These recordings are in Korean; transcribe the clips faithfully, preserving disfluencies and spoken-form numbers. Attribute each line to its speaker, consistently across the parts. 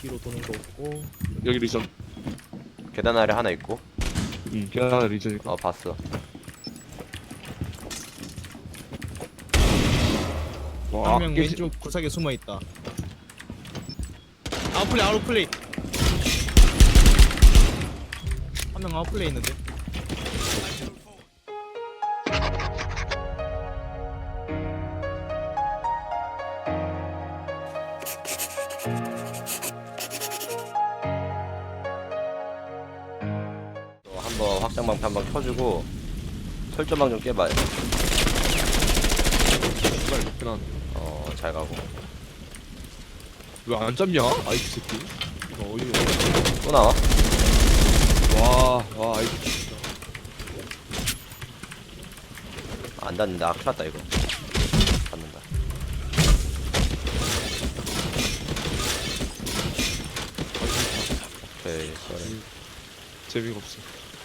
Speaker 1: 뒤로 도는 거 없고.
Speaker 2: 여기 리전.
Speaker 3: 계단 아래 하나 있고.
Speaker 2: 응, 계단 리전이고.
Speaker 3: 어 봤어.
Speaker 2: 와,
Speaker 1: 한 명
Speaker 2: 깨지-
Speaker 1: 왼쪽 구석에 숨어 있다. 아웃플레이 아웃플레이. 한 명 아웃플레이 있는데.
Speaker 3: 또 한번 확장방패 한번 켜주고 설정방 좀 깨봐요.
Speaker 2: 정말 높긴 하네.
Speaker 3: 어잘 가고.
Speaker 2: 왜 안 잡냐? 아이 새끼. 이거 어이가
Speaker 3: 또 나와?
Speaker 2: 와, 와, 아이 진짜.
Speaker 3: 안 닿는다. 아, 큰일 났다 이거. 닿는다. 오케이 쏘리.
Speaker 2: 재미가 없어.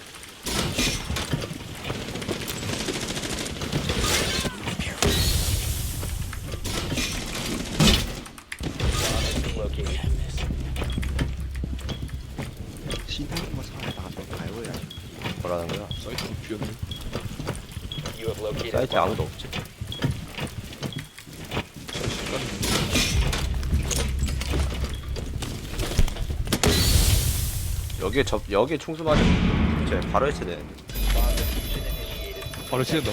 Speaker 4: 신탄 사에다가 좀 가요야.
Speaker 3: 뭐라는 거야?
Speaker 2: 사이트 비었네.
Speaker 3: 사이트에 아무도 없지. 여기에 접 여기에 충수 맞으 쟤 바로 해체 되는데.
Speaker 2: 바로 치는다.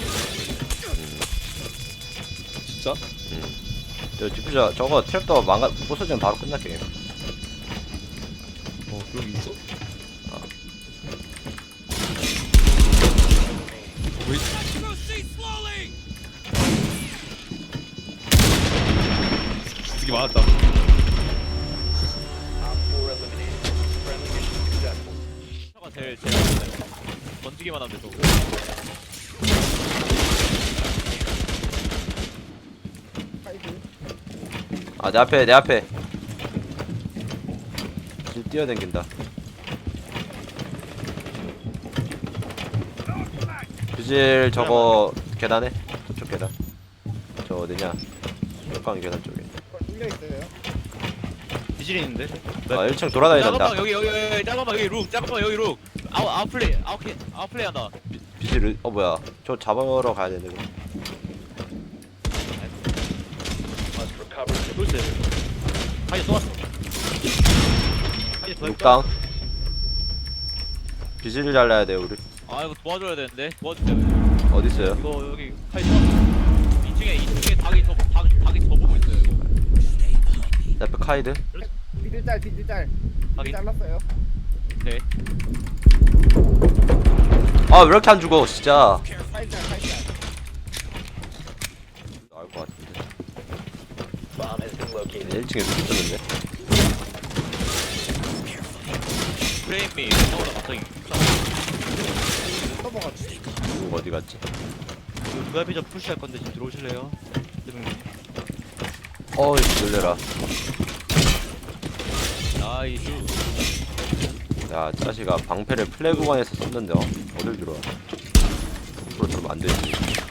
Speaker 2: 진짜?
Speaker 3: 저 디퓨저 저거 트랩도 망가 부서지면 바로 끝날 게임.
Speaker 2: 어, 그런 게 있어?
Speaker 3: 어.
Speaker 2: 왜? 되게 많았다.
Speaker 5: 차가 제일 제일 안돼 던지기만 하면 돼서
Speaker 3: 아 내 앞에 내 앞에. 지금 뛰어댕긴다. 뷰질 저거 계단에 저쪽 계단. 저 어디냐? 역광 계단 쪽에.
Speaker 5: 비질이 있는데
Speaker 3: 아 일 층 돌아다니던다.
Speaker 5: 잠깐만 여기 여기 여기 잠깐만 여기 룩 잠깐만 여기 룩 아웃 아웃플레이 아웃플레이 아웃플레이 한다
Speaker 3: 뷰질 어 뭐야? 저 잡으러 가야 되는데. 그럼.
Speaker 5: 돌스 하이 또 왔어 하이 더
Speaker 3: 육당. 뷰질 잘라야 돼 우리.
Speaker 5: 아 이거 도와줘야 되는데 도와주세요
Speaker 3: 어디 있어요?
Speaker 5: 이거 여기 하이 또 왔어 이 층에 이 층에 닭이 저 닭, 닭이 저 보고 있어요 이거
Speaker 3: 내 앞에 카이드.
Speaker 4: 비들짤 비들짤
Speaker 5: 닭이
Speaker 4: 잘랐어요.
Speaker 5: 오케이
Speaker 3: 아 왜 이렇게 안 죽어 진짜.
Speaker 4: 살짤 살짤.
Speaker 3: 나올 것 같은데. 일 층에 누구 있었는데?
Speaker 5: 프레임이 나오다 갑자기
Speaker 4: 넘어갔지.
Speaker 3: 누구 어디 갔지?
Speaker 5: 브이아이피 좀 푸시할 건데 지금 들어오실래요?
Speaker 3: 어이 놀래라.
Speaker 5: 나이스
Speaker 3: 야 짜시가 방패를 플레이 구간에서 썼는데 어? 어딜 들어와. 앞으로 들어오면 안 되지.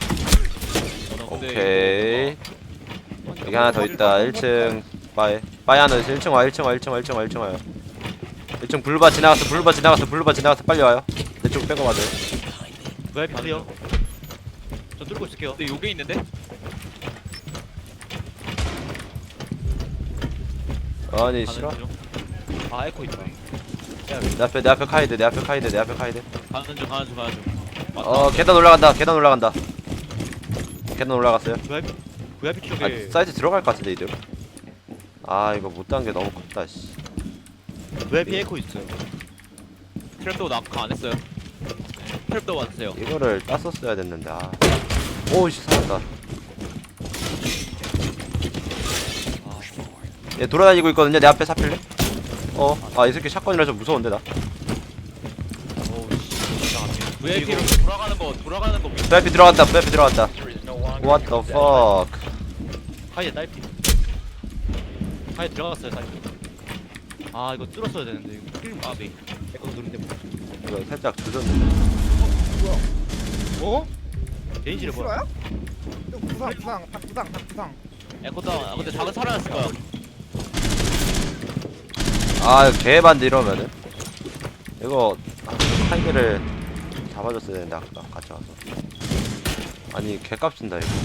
Speaker 3: 오케이. 여기 하나 더 있다. 일 층 바이. 바이 하나 있어. 일 층 와. 일 층 와. 일 층 와. 일 층 와. 일 층 와요. 일 층 블루바 지나갔어. 블루바 지나갔어. 블루바 지나갔어. 빨리 와요. 내 쪽 빼고 맞아요.
Speaker 5: 브이아이피 클리어 저 뚫고 있을게요 근데 요게 있는데?
Speaker 3: 아니 싫어.
Speaker 5: 가는 중. 아 에코 있다
Speaker 3: 내 앞에 내 앞에 카이드. 내 앞에 카이드. 내 앞에 카이드.
Speaker 5: 가는 중 가는 중 가는 중 맞다.
Speaker 3: 어 계단 올라간다. 계단 올라간다. 계단 올라갔어요.
Speaker 5: 브이아이피 브이아이피
Speaker 3: 아
Speaker 5: 쪽에
Speaker 3: 사이트 들어갈 것 같은데 이들. 아 이거 못 단 게 너무 컸다 씨.
Speaker 5: 브이아이피 에코 있어요 트랩도 낙하 안 했어요 트랩도 왔어요
Speaker 3: 이거를 땄었어야 됐는데. 아. 오씨 살았다. 얘 돌아다니고 있거든요. 내 앞에 사필래? 어. 아 이 새끼 샷건이라 좀 무서운데 나.
Speaker 5: 브이아이피로 돌아가는 거 돌아가는 거
Speaker 3: 브이아이피 들어간다. 브이아이피 들어간다. What the fuck.
Speaker 5: 하이에 딸피 하이에 들어갔어요 딸피 아 이거 뚫었어야 되는데 이거 필름 아비 에코 누른데 뭐
Speaker 3: 이거 살짝 조졌는데.
Speaker 4: 어?
Speaker 5: 데인지를 뭐야
Speaker 4: 싫어요? 또 부상 부상 다 부상 다 부상.
Speaker 5: 에코 다운 아 근데 작은 살아났을 거야
Speaker 3: 아 개반데 이러면은 이거 한 개를 잡아줬어야 되는데 아까 같이 와서. 아니 개값진다 이거.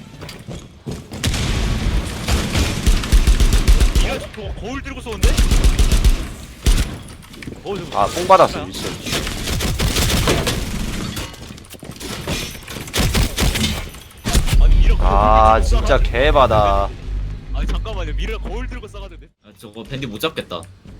Speaker 5: 이거 거, 거울 들고 쏘는데? 거울 들고
Speaker 3: 아 뽕 받았어 미친.
Speaker 5: 아니 미러 거울
Speaker 3: 아
Speaker 5: 들고
Speaker 3: 진짜
Speaker 5: 쏴가지고.
Speaker 3: 개바다.
Speaker 5: 아니 잠깐만요 미러 거울 들고 쏴가지고
Speaker 6: 아, 저거 밴디 못 잡겠다.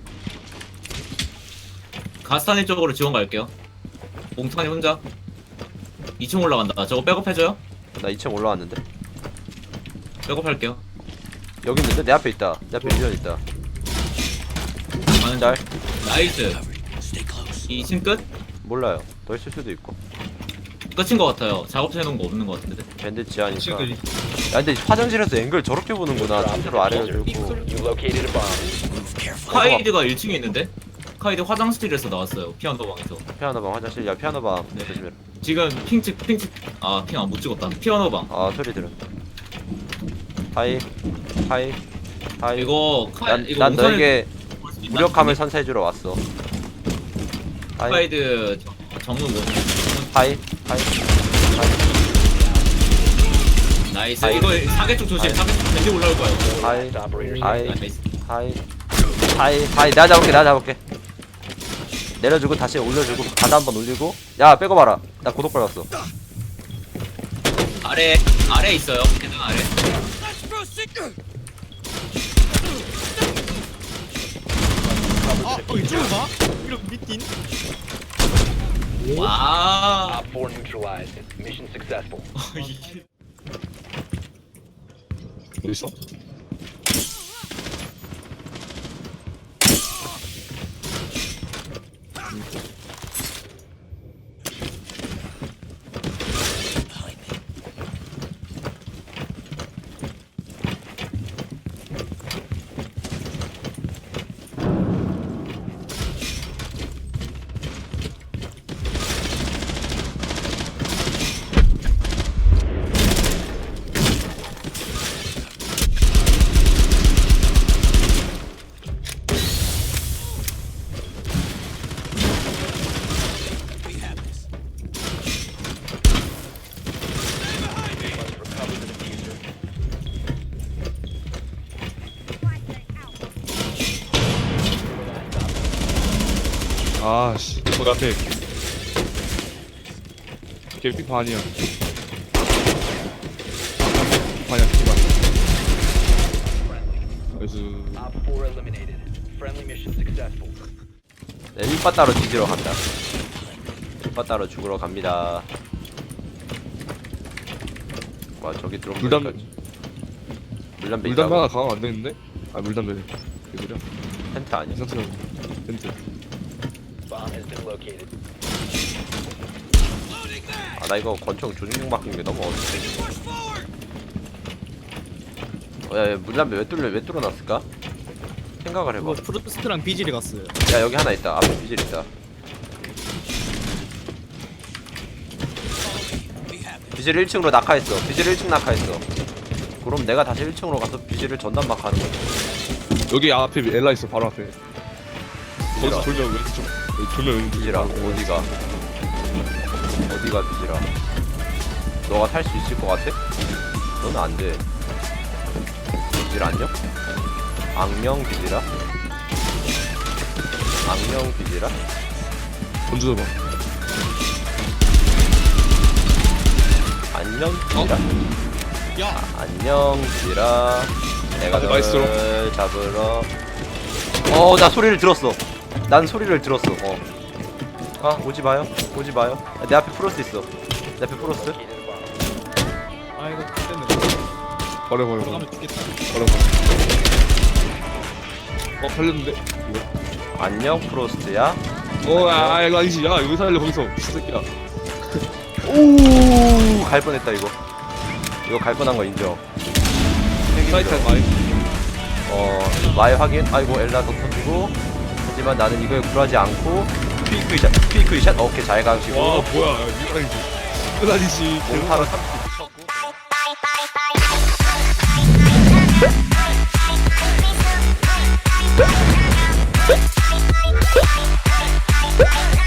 Speaker 6: 가스타니 쪽으로 지원 갈게요. 몽탄이 혼자. 이 층 올라간다. 저거 백업 해줘요?
Speaker 3: 나 이 층 올라왔는데.
Speaker 6: 백업 할게요.
Speaker 3: 여기 있는데 내 앞에 있다. 내 앞에 밀련 있다.
Speaker 6: 가는
Speaker 3: 짤.
Speaker 6: 나이스. 이 층 끝?
Speaker 3: 몰라요. 더 있을 수도 있고.
Speaker 6: 끝인 것 같아요. 작업실 해놓은 거 없는 것 같은데.
Speaker 3: 밴드 지하니까.
Speaker 1: 친구들이
Speaker 3: 야 근데 화장실에서 앵글 저렇게 보는구나. 상태로 아래로 들고.
Speaker 6: 카이드가 일 층에 있는데? 카이드 화장실에서 나왔어요. 피아노 방에서.
Speaker 3: 피아노방 화장실. 야 피아노방
Speaker 6: 네.
Speaker 3: 조심해라.
Speaker 6: 지금 핑측 핑측 아 핑 안 못 찍었다. 피아노 방.
Speaker 3: 아 소리 들어. 하이 하이 하이.
Speaker 6: 이거 카
Speaker 3: 난,
Speaker 6: 이거
Speaker 3: 난
Speaker 6: 몽탄이
Speaker 3: 너에게
Speaker 6: 볼수 있나?
Speaker 3: 무력함을 선사해주러 왔어. 하이
Speaker 6: 카이드 정문 뭐
Speaker 3: 하이 하이
Speaker 6: 나이스.
Speaker 3: 하이.
Speaker 6: 이거 사계 쪽 조심. 사계 쪽 밴디 올라올 거예요.
Speaker 3: 하이 하이
Speaker 6: 나이스.
Speaker 3: 하이 하이 하이. 내가 잡을게 내가 잡을게. 내려주고 다시 올려주고 바다 한번 올리고. 야 빼고 봐라. 나 고독 받았어.
Speaker 6: 아래 아래 있어요. 계단 아래.
Speaker 1: 아 어, 이쪽으로 가? 이렇게 미친
Speaker 6: 와.
Speaker 7: Op four neutralized. Mission successful.
Speaker 6: 이게
Speaker 2: 어디 있어? 아씨 거기 앞에 개피 반이야. 반이야 피반. 그래서
Speaker 7: Op four eliminated. Friendly mission successful.
Speaker 3: 네, 일바 따로 뒤지러 간다. 일바 따로 죽으러 갑니다. 와 저기 들어온
Speaker 2: 물담-
Speaker 3: 거까지. 물담배
Speaker 2: 물담배가
Speaker 3: 있다고?
Speaker 2: 강화 안 되는데? 아 물담배. 그들이야?
Speaker 3: 텐트 아니야?
Speaker 2: 이상처럼 텐트.
Speaker 7: Bomb has been located.
Speaker 3: 아 나 이거 권총 조준경 바꾼 게 너무 어렵지. 어, 야, 야 물담배 왜 뚫려 왜 뚫어놨을까? 생각을 해봐.
Speaker 1: 이거 프로스트랑 비질이 갔어요.
Speaker 3: 야 여기 하나 있다. 앞에 비질 있다. 비질 일 층으로 낙하했어. 비질 일 층 낙하했어. 그럼 내가 다시 일 층으로 가서 비질을 전담막 하는 거지.
Speaker 2: 여기 앞에 엘라 있어 바로 앞에. 거기서
Speaker 3: 비질아,
Speaker 2: 돌면 왼쪽. 여기 돌면 왼쪽.
Speaker 3: 비질아 어디가? 어디가 비질아? 너가 탈 수 있을 것 같아? 너는 안 돼. 비질 안녕? 악령 비질아? 악령 비질아?
Speaker 2: 던져봐.
Speaker 3: 안녕 비질아?
Speaker 1: 야
Speaker 3: 안녕 비질아. 내가
Speaker 2: 아, 나이스로.
Speaker 3: 너를 잡으러. 어 나 소리를 들었어. 난 소리를 들었어. 어. 아 오지 마요. 오지 마요. 야, 내 앞에 프로스 있어. 내 앞에 프로스.
Speaker 1: 아 이거 됐네.
Speaker 2: 버려 버려 버려.
Speaker 1: 들어가면 죽겠다.
Speaker 2: 버려 버려. 어 살렸는데? 이거.
Speaker 3: 안녕 프로스트야.
Speaker 2: 어, 아, 아, 이거 아니지. 야, 여기 살려, 거기서. 이 새끼야.
Speaker 3: 오, 갈 뻔했다 이거. 이거 갈 뻔한 거 인정.
Speaker 2: 사이트 많이.
Speaker 3: 어, 마의 확인. 아이고 엘라 더 터지고. 하지만 나는 이거에 굴하지 않고 퀴크 샷, 퀴크 샷. 오케이 잘 가시고.
Speaker 2: 와, 뭐야. 이거 아니지. 이거 아니지.
Speaker 3: 몸파로 삼십 쳤고.
Speaker 8: Hey, hey.